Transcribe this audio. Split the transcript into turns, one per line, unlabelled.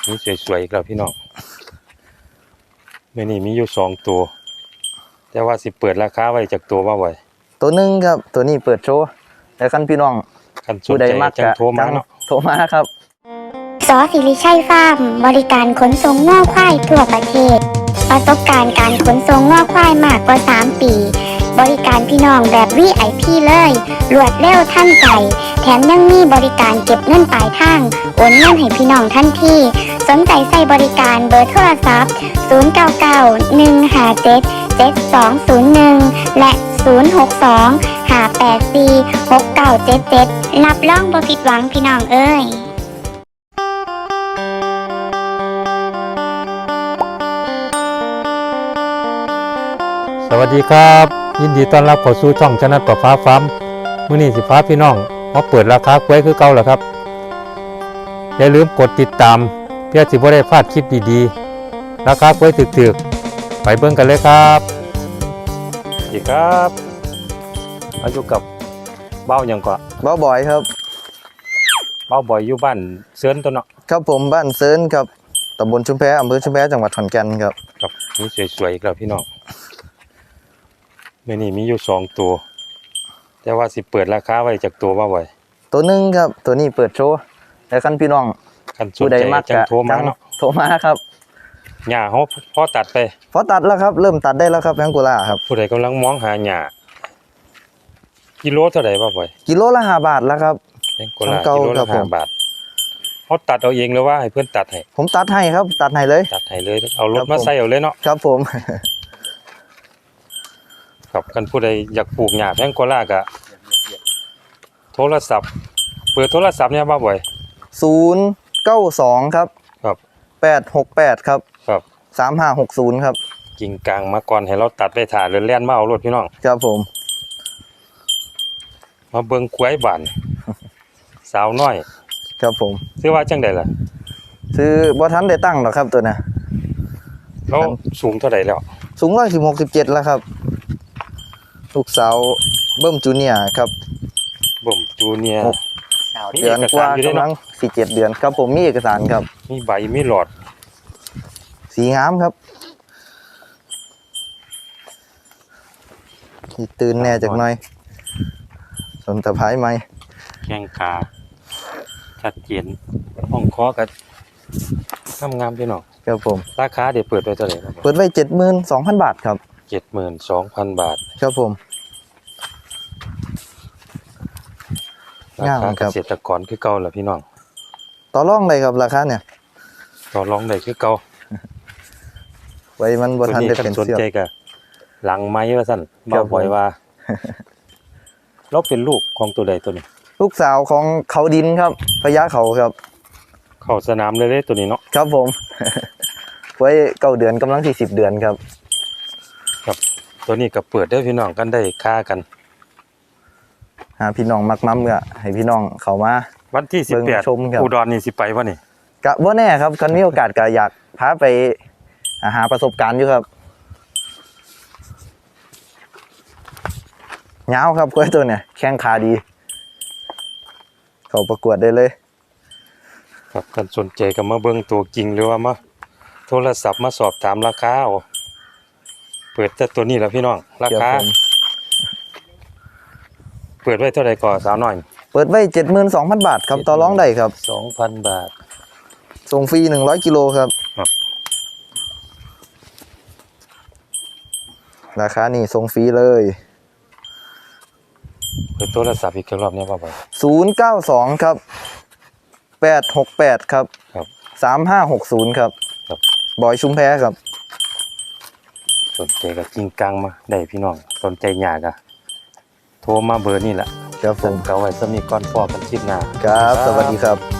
นี่สวยๆอีกแล้วพี่น้องเมื่อนี้มีอยู่2ตัวแต่ว่าสิเปิดราคาไว้จากตัวว่าไว้
ตัวหนึ่งครับตัวนี้เปิดโชว์แต่คันพี่น้องผู้ใดมากจังโทรมาเนาะโทรมาครับ
สศิริชัยฟาร์มบริการขนส่งง่อควายทั่วประเทศประสบการณ์การขนส่งง่อควายมากกว่า3 ปีบริการพี่น้องแบบ VIP เลยรวดเร็วทันใจแถมยังมีบริการเก็บเงินปลายทางโอนเงินให้พี่น้องทันทีสนใจใส่บริการเบอร์โทรศัพท์0991577201และ062-584-6977รับรองบ่ผิดหวังพี่น้องเอ้ย
สวัสดีครับยินดีต้อนรับเข้าสู่ช่องชนะประฟ้าฟาร์มมื้อนี้สิพาพี่น้องมาเปิดราคากล้วยคือเก่าแล้วครับอย่าลืมกดติดตามเพื่อสิบ่ได้พลาดคลิปดีๆราคากล้วยถึกๆไปเบิ่งกันเลยครับสวัสดีครับอายุกับเบ้าหยังก็
บ้าบอยครับ
เบ้าบ่อยอยู่บ้านเซินตัวเนาะ
ครับผมบ้านเซิร์นครับตำบลชุมแพอำเภอชุมแพจังหวัดขอนแก่นครับ
ครับนี่สวยๆอีกแล้วพี่น้องมื้อนี้มีอยู่2ตัวแต่ว่าสิเปิดราคาไว้จากตัวว่าไว้
ตัวหนึ่งครับตัวนี้เปิดโชว์แต่คันพี่น้องผู้ใดมากจังโทรมาเนาะโทรมาครับ
หญ้าเฮาพอตัดไป
พอตัดแล้วครับเริ่มตัดได้แล้วครับแพงกุล่าครับ
ผู้ใดกำลังมองหาหญ้ากิโลเท่าไหร่บ่บ่อย
กิโลละ5 บาทแล้วครับ
แพงกว่ากิโลละ5 บาทเฮาตัดเอาเองหรือว่าให้เพิ่นตัดให้
ผมตัดให้ครับตัดให้เลย
เอารถมาใส่เอาเลยเนาะ
ครับผม
ครับกันผู้ใดอยากปลูกหญ้าแพงกว่าก็โทรศัพท์เปิดโทรศัพท์เนี่ยบ่บ่อย
092ครับ
ครับ
868ครับ
ครับ
3560ครับ
กิ่งกลางมาก่อนให้เราตัดไปถ่าเล่นๆมาเอารถพี่น้อง
ครับผม
มาเบิ่งกล้วยบานสาวน้อย
ครับผม
ซื้อว่าจังได๋ล่ะ
ซื้อบ่ทันได้ตั้งหรอกครับตัวน่ะ
แล้วสูงเท่าใดแล้ว
สูง167แล้วครับลูกสาวเบิ้มจูเนียร์ครับ
เบิ่มจูเนียร์
เดือนกว่ากำลัง4-7 เดือนครับผมมีเอกสารครับ
มีใบมีหลอด
สีงามครับที่ตื่นแน่จากหน่อยสนตะไคร้ไหม
แข้งขาชัดเจนห้องคอก็งามๆพี่น้อง
ครับผม
ราคาเดี๋ยวเปิดไว้เท่าไหร่ครับ
เปิดไว้ 72,000 บาทครับ
72,000 บาท
ครับผม
ราคาเกษตรกรคือเก่าล่ะพี่น้อง
ต่อรองได้ครับราคาเนี่ย
ต่อรองได้คือเก่า
ไว้มันบ่ทันได้เป็น
สนใจก็หลังไม้ว่าซั่นบ่บ่อยว่าเราเป็นลูกของตัวใดตัวนี้
ลูกสาวของเขาดินครับพญาเขาครับ
เข้าสนามเลยตัวนี้เนาะ
ครับผมไว้9 เดือนกำลัง10 เดือนครับ
ครับตัวนี้ก็เปิดได้พี่น้องกันได้ค่ากัน
หาพี่น้องมักมั่มก็ให้พี่น้องเข้ามา
วันที่18อุดรนี่สิไปบ่นี่
ก็บ่แน่ครับคันมีโอกาสก็อยากพาไปหาประสบการณ์อยู่ครับยาวครับกล้วยตัวเนี่ยแข้งขาดีเขาประกวดได้เลย
ครับกันสนใจก็มาเบิ่งตัวจริงหรือว่ามาโทรศัพท์มาสอบถามราคาเอาเปิดแต่ตัวนี้แหละพี่น้องราคาเปิดไว้เท่าไหร่ก่อนสาวน้อย
เปิดไว้ 72,000 บาทครับต่อรองได้ครับ
2,000 บาท
ส่งฟรี100 กิโลครับราคานี่ส่งฟรีเลย
เปิดโทรศัพท์อีกรอบนี้ว่าไป
092ครับ868ครับ3560ครับบอยชุมแพครับ
สนใจก็จริงกลางมาได้พี่น้องสนใจหยากะโทรมาเบอร์นี่แหละ
ครับผม
เอาไว้สมีก่อนพอกันคลิปหน้า
ครับสวัสดีครับ